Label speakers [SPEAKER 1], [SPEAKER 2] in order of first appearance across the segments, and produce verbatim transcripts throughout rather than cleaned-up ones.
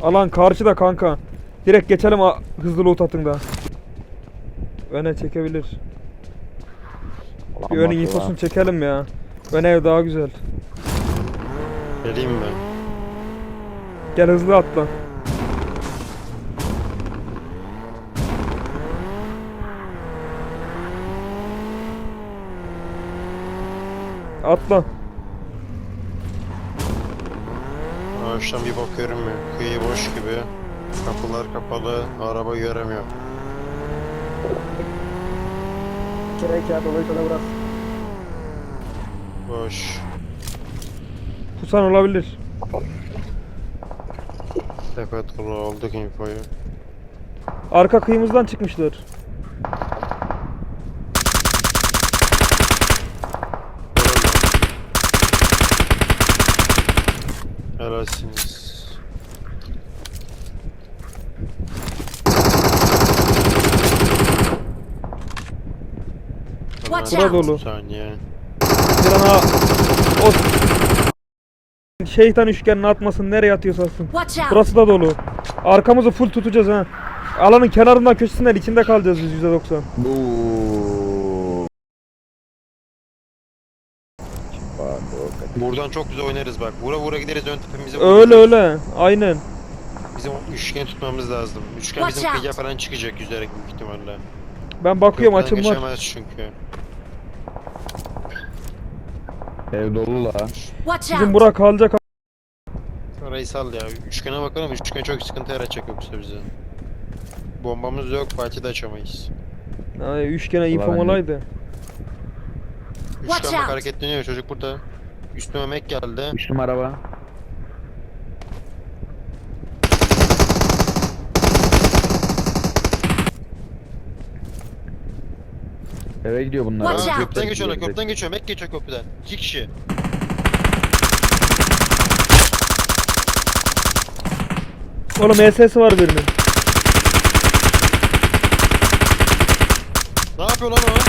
[SPEAKER 1] Alan karşıda kanka. Direkt geçelim hızlı loot atın da. Öne çekebilir. Bir önün infosunu çekelim ya. Ön ev daha güzel.
[SPEAKER 2] Geleyim mi?
[SPEAKER 1] Gel hızlı atla. Atla.
[SPEAKER 2] Ağaçtan bir bok görünmüyor. Kıyı boş gibi. Kapılar kapalı. Araba göremiyor.
[SPEAKER 3] Gerek ya dolayı sana bırak.
[SPEAKER 2] Boş.
[SPEAKER 1] Pusan olabilir.
[SPEAKER 2] Tepe dolu aldık infoyu.
[SPEAKER 1] Arka kıyımızdan çıkmışlar.
[SPEAKER 2] Helalsiniz.
[SPEAKER 4] Watch
[SPEAKER 1] Bura
[SPEAKER 4] out.
[SPEAKER 1] dolu.
[SPEAKER 2] Saniye.
[SPEAKER 1] Bir ana o şeytan üçgenini atmasın, nereye atıyorsa atsın.
[SPEAKER 4] Watch out.
[SPEAKER 1] Burası da dolu. Arkamızı full tutacağız ha. Alanın kenarından köşesinden içinde kalacağız biz yüzde doksan.
[SPEAKER 2] Buradan çok güzel oynarız bak. Vura vura gideriz ön tepemize.
[SPEAKER 1] Öyle öyle. Aynen.
[SPEAKER 2] Bizim o üçgen tutmamız lazım. Üçgen
[SPEAKER 4] Watch
[SPEAKER 2] bizim
[SPEAKER 4] out.
[SPEAKER 2] kıyıya falan çıkacak yüzerek büyük ihtimalle.
[SPEAKER 1] Ben bakıyorum,
[SPEAKER 2] Köprüden
[SPEAKER 1] açım var.
[SPEAKER 2] geçemez çünkü.
[SPEAKER 5] Ev dolu la.
[SPEAKER 4] Watch
[SPEAKER 1] Bizim
[SPEAKER 4] out.
[SPEAKER 1] bura kalacak.
[SPEAKER 2] Orayı sal ya. Üçgene bakalım. Üçgen çok sıkıntı yaratacak yoksa bize. Bombamız yok. Fatih de açamayız.
[SPEAKER 1] Ay, üçgene infom
[SPEAKER 5] ben de-
[SPEAKER 1] olaydı.
[SPEAKER 4] Watch
[SPEAKER 2] Üçgen bak
[SPEAKER 4] out.
[SPEAKER 2] hareketleniyor. Çocuk burada. Üstüme mek geldi.
[SPEAKER 5] Üç numara araba. Eve gidiyor bunlar.
[SPEAKER 4] Watch
[SPEAKER 2] Aa,
[SPEAKER 4] out.
[SPEAKER 2] köprüden geçiyor lan. Köprüden geçiyor. Mek geçiyor köprüden. İki kişi.
[SPEAKER 1] Oğlum E S'si var birinin.
[SPEAKER 2] Ne yapıyor lan o?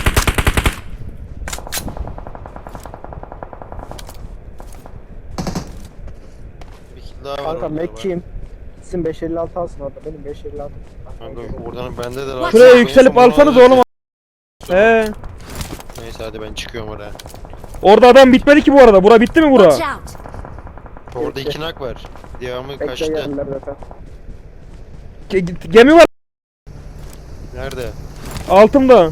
[SPEAKER 2] Bir kill daha var.
[SPEAKER 3] Kanka
[SPEAKER 2] orada bak.
[SPEAKER 3] Mekki'yim. Sizin beş elli altı alsın orada. Benim beş elli altı.
[SPEAKER 2] Kanka oradan bende de var.
[SPEAKER 4] Watch
[SPEAKER 1] Şuraya
[SPEAKER 4] out.
[SPEAKER 1] yükselip alsanız oğlum. He.
[SPEAKER 2] Neyse hadi ben çıkıyorum oraya.
[SPEAKER 1] Orada adam bitmedi ki bu arada. Bura bitti mi bura?
[SPEAKER 4] Watch out.
[SPEAKER 2] Orada iki nak var. Devamı
[SPEAKER 3] Bekle
[SPEAKER 2] kaçtı.
[SPEAKER 3] geldiler zaten.
[SPEAKER 1] Ge- gemi var
[SPEAKER 2] Nerede?
[SPEAKER 1] altımda.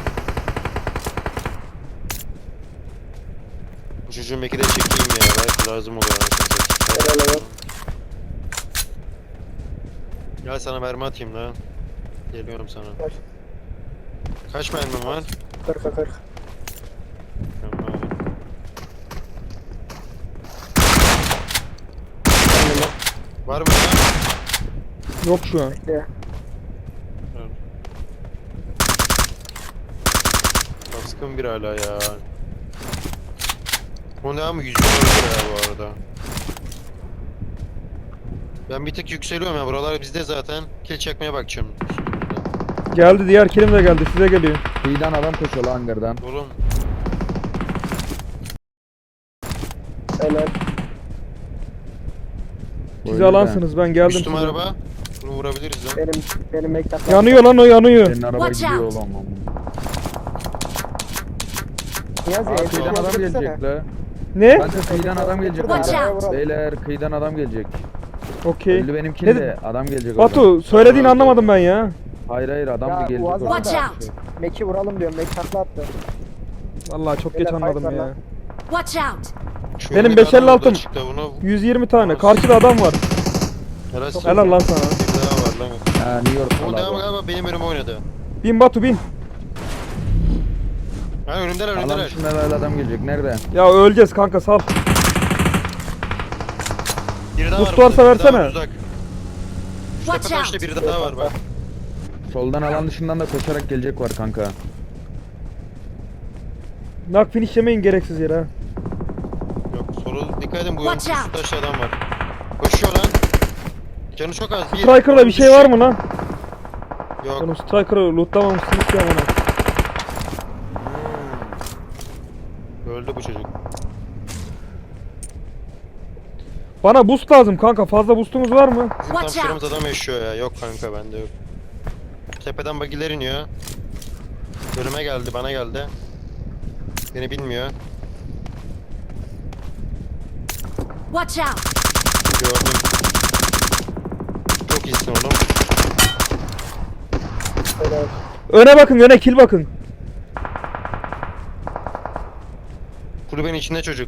[SPEAKER 2] Bu çocuğun meki de çekeyim ya. Belki lazım olur anasını
[SPEAKER 3] Helal
[SPEAKER 2] satayım.
[SPEAKER 3] helal.
[SPEAKER 2] Gel sana mermi atayım lan. Geliyorum sana.
[SPEAKER 3] Kaç?
[SPEAKER 2] Kaç mermim var?
[SPEAKER 3] kırka kırk.
[SPEAKER 2] Tamam. Var mı lan?
[SPEAKER 1] Yok şu an.
[SPEAKER 3] Bekle.
[SPEAKER 2] Baskın bir hala ya. O ne ama yüzüne öldür ya bu arada. Ben bir tık yükseliyorum ya, buralar bizde zaten. Kill çekmeye bakacağım.
[SPEAKER 1] Geldi, diğer kilim de geldi. Size geliyor.
[SPEAKER 5] Kıyıdan adam koşuyor lan hangardan.
[SPEAKER 2] Oğlum
[SPEAKER 3] Helal.
[SPEAKER 1] Siz
[SPEAKER 5] Öyle
[SPEAKER 1] alansınız, ben geldim
[SPEAKER 2] üstüm
[SPEAKER 1] size.
[SPEAKER 2] araba. Bunu vurabiliriz lan.
[SPEAKER 3] Benim benim Mek'ten.
[SPEAKER 1] Yanıyor lan, o yanıyor.
[SPEAKER 5] Senin araba
[SPEAKER 4] Watch
[SPEAKER 5] gidiyor
[SPEAKER 4] out.
[SPEAKER 5] oğlum.
[SPEAKER 3] Niyazi
[SPEAKER 5] Aa,
[SPEAKER 3] evde
[SPEAKER 5] kıyıdan adam
[SPEAKER 3] yazdırsana.
[SPEAKER 5] gelecek la.
[SPEAKER 1] Ne?
[SPEAKER 5] Kanka kıyıdan adam gelecek.
[SPEAKER 4] Watch
[SPEAKER 5] kanka.
[SPEAKER 4] out.
[SPEAKER 5] Beyler kıyıdan adam gelecek.
[SPEAKER 1] Okey.
[SPEAKER 5] Öldü benimkini
[SPEAKER 1] Ne
[SPEAKER 5] de adam gelecek oradan.
[SPEAKER 1] Batu, söylediğini anlamadım ben ya.
[SPEAKER 5] Hayır hayır adam
[SPEAKER 3] Ya,
[SPEAKER 5] da gelecek
[SPEAKER 3] Uaz
[SPEAKER 5] oradan.
[SPEAKER 4] Watch out.
[SPEAKER 3] Mek'i vuralım diyorum. Mek takla attı.
[SPEAKER 1] Vallahi çok geç
[SPEAKER 3] Beyler,
[SPEAKER 1] anladım
[SPEAKER 3] fight var
[SPEAKER 1] ya.
[SPEAKER 3] lan.
[SPEAKER 4] Watch out.
[SPEAKER 2] Şu
[SPEAKER 1] Benim
[SPEAKER 2] önde
[SPEAKER 1] beş elli
[SPEAKER 2] adam
[SPEAKER 1] altım.
[SPEAKER 2] orada çıktı, bunu
[SPEAKER 1] yüz yirmi tane. Karşıda adam var.
[SPEAKER 2] helal olsun.
[SPEAKER 1] Helal lan sana.
[SPEAKER 2] Bir daha var lan.
[SPEAKER 5] Ha New York
[SPEAKER 2] Bu devam
[SPEAKER 5] falan.
[SPEAKER 2] galiba benim önüme oynadı.
[SPEAKER 1] Bin Batu, bin.
[SPEAKER 2] Ha önümdeler
[SPEAKER 5] Alan
[SPEAKER 2] önümdeler.
[SPEAKER 5] dışında böyle adam gelecek. Nerede?
[SPEAKER 1] Ya öleceğiz kanka, sal.
[SPEAKER 2] Biri daha
[SPEAKER 1] Boost
[SPEAKER 2] var.
[SPEAKER 1] varsa
[SPEAKER 2] burada, biri daha
[SPEAKER 1] versene.
[SPEAKER 2] var, uzak. Şu
[SPEAKER 4] Watch
[SPEAKER 2] tepe taşta
[SPEAKER 4] out.
[SPEAKER 2] biri daha var bak.
[SPEAKER 5] Soldan alan dışından da koşarak gelecek var kanka.
[SPEAKER 1] Nak finish yemeyin gereksiz yere ha.
[SPEAKER 2] Yok soru dikkat edin, bu yolun
[SPEAKER 4] Watch
[SPEAKER 2] üst
[SPEAKER 4] out.
[SPEAKER 2] taşta adam var. Koşuyor lan. Canı çok az. Bir.
[SPEAKER 1] Striker'da bir şey var mı lan?
[SPEAKER 2] Yok.
[SPEAKER 1] Oğlum Striker'ı lootlamamışsınız ki amına.
[SPEAKER 2] Öldü bu çocuk.
[SPEAKER 1] Bana boost lazım kanka. Fazla boostumuz var mı?
[SPEAKER 2] Bizim tam
[SPEAKER 4] Watch
[SPEAKER 2] şuramız
[SPEAKER 4] out.
[SPEAKER 2] adam yaşıyor ya. Yok kanka bende yok. Tepeden bagiler iniyor. Önüme geldi, bana geldi. Beni bilmiyor.
[SPEAKER 4] Watch out!
[SPEAKER 2] Gördüm. Çok iyisin oğlum.
[SPEAKER 3] Helal.
[SPEAKER 1] Öne bakın, öne kill bakın.
[SPEAKER 2] Kulübenin içinde çocuk.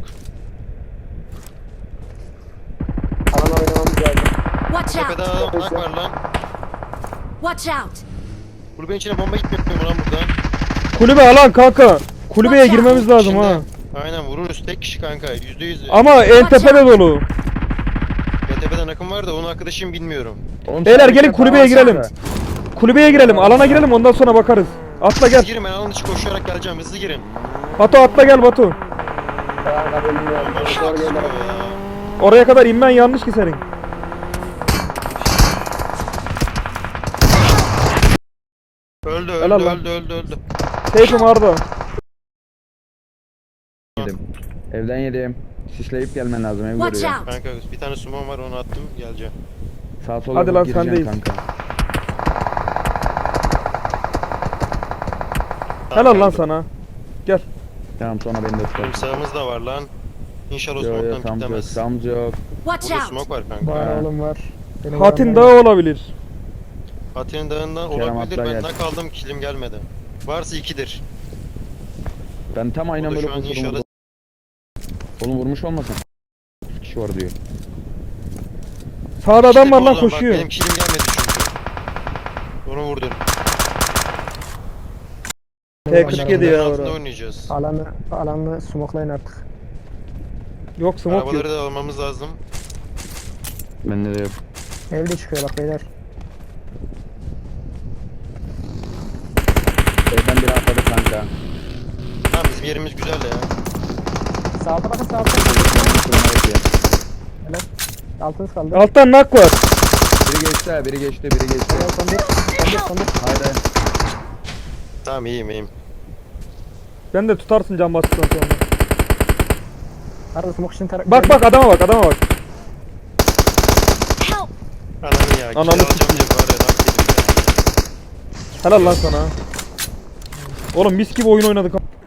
[SPEAKER 3] Alan oynamamız lazım.
[SPEAKER 4] Watch
[SPEAKER 2] Tepede
[SPEAKER 4] out!
[SPEAKER 2] adam nak var lan.
[SPEAKER 4] Watch out!
[SPEAKER 2] Kulübenin içine bomba gitmiyor mu lan buradan?
[SPEAKER 1] Kulübe alan kanka. Kulübeye
[SPEAKER 4] Watch out.
[SPEAKER 1] girmemiz lazım
[SPEAKER 2] İçinde.
[SPEAKER 1] ha.
[SPEAKER 2] Aynen vururuz tek kişi kanka. Yüzde yüz.
[SPEAKER 1] Ama en
[SPEAKER 4] Watch
[SPEAKER 1] tepede
[SPEAKER 4] out.
[SPEAKER 1] dolu.
[SPEAKER 2] Ya tepeden akım var da onun arkadaşım bilmiyorum.
[SPEAKER 5] Oğlum,
[SPEAKER 1] Beyler
[SPEAKER 5] sen
[SPEAKER 1] gelin
[SPEAKER 5] bir
[SPEAKER 1] kulübeye
[SPEAKER 5] şey
[SPEAKER 1] girelim.
[SPEAKER 5] kanka.
[SPEAKER 1] Kulübeye girelim, alana girelim ondan sonra bakarız. Atla
[SPEAKER 2] Hızlı
[SPEAKER 1] gel.
[SPEAKER 2] girin, ben alan dışı koşarak geleceğim. Hızlı girin.
[SPEAKER 1] Batu atla gel Batu.
[SPEAKER 3] Kanka bilmiyorum. Zor
[SPEAKER 2] Sıkıyor
[SPEAKER 3] gelir.
[SPEAKER 2] ya.
[SPEAKER 1] Oraya kadar inmen yanlış ki senin.
[SPEAKER 2] Öldü
[SPEAKER 1] Helal
[SPEAKER 2] öldü
[SPEAKER 1] lan.
[SPEAKER 2] öldü öldü öldü.
[SPEAKER 1] Seyfim Arda.
[SPEAKER 5] Yedim. Evden yedim. Sisleyip gelmen lazım ev
[SPEAKER 4] Watch
[SPEAKER 5] görüyor.
[SPEAKER 4] out!
[SPEAKER 2] Kanka bir tane sumon var onu attım geleceğim.
[SPEAKER 5] Sağ sola
[SPEAKER 1] Hadi
[SPEAKER 5] Hadi
[SPEAKER 1] lan,
[SPEAKER 5] gireceğim
[SPEAKER 1] sendeyiz.
[SPEAKER 5] kanka.
[SPEAKER 1] Helal lan
[SPEAKER 2] geldim.
[SPEAKER 1] sana. Gel.
[SPEAKER 5] Tamam sonra beni de tutar.
[SPEAKER 2] Oğlum sağımız da var lan. İnşallah
[SPEAKER 5] Yok yok
[SPEAKER 2] smoke'tan
[SPEAKER 5] sağımız yok.
[SPEAKER 2] kitlemez.
[SPEAKER 5] Sağımız yok.
[SPEAKER 4] Watch
[SPEAKER 2] Burada
[SPEAKER 4] out!
[SPEAKER 2] smoke var kanka.
[SPEAKER 3] Var oğlum var. Benim
[SPEAKER 1] Hatin
[SPEAKER 3] adamlar-
[SPEAKER 1] Dağı olabilir.
[SPEAKER 2] Atinin dağından
[SPEAKER 5] Kerem
[SPEAKER 2] olabilir.
[SPEAKER 5] atla
[SPEAKER 2] Ben
[SPEAKER 5] gel.
[SPEAKER 2] nak aldım kilim gelmedi. Varsa ikidir.
[SPEAKER 5] Ben tam aynen
[SPEAKER 2] Burada
[SPEAKER 5] böyle
[SPEAKER 2] şu an
[SPEAKER 5] vurdum.
[SPEAKER 2] inşallah
[SPEAKER 5] Oğlum vurmuş olmasın. üç kişi var diyor.
[SPEAKER 1] Sağda adam var
[SPEAKER 2] İşte
[SPEAKER 1] lan
[SPEAKER 2] o zaman,
[SPEAKER 1] koşuyor.
[SPEAKER 2] Bak, benim kilim gelmedi çünkü. Onu vurdun.
[SPEAKER 1] T kırk yedi ya
[SPEAKER 2] Altında
[SPEAKER 1] orada.
[SPEAKER 2] oynayacağız.
[SPEAKER 3] Alanı, alanı smoklayın artık.
[SPEAKER 1] Yok smoke yok.
[SPEAKER 2] Arabaları da almamız lazım.
[SPEAKER 5] Bende de yok.
[SPEAKER 3] Evde çıkıyor bak beyler.
[SPEAKER 5] Evden biri atladı kanka.
[SPEAKER 2] Tamam bizim yerimiz güzel ya.
[SPEAKER 3] Sağda bakın sağda.
[SPEAKER 5] Fırına bekliyor.
[SPEAKER 3] Helal. Altınız kaldı.
[SPEAKER 1] Alttan nak var.
[SPEAKER 5] Biri geçti ha, biri geçti, biri geçti.
[SPEAKER 3] Helal son bir. Son bir son bir.
[SPEAKER 5] Haydi.
[SPEAKER 2] Tamam iyiyim iyiyim.
[SPEAKER 1] Ben de tutarsın can bastıktan sonra.
[SPEAKER 3] Arada smoke için tarak.
[SPEAKER 1] Bak bak adama bak adama bak.
[SPEAKER 4] Help!
[SPEAKER 2] Ananı ya.
[SPEAKER 1] Ananı
[SPEAKER 2] Ananı alacağım diye var ya. Nak yedim ya.
[SPEAKER 1] Helal lan sana. Oğlum mis gibi oyun oynadık.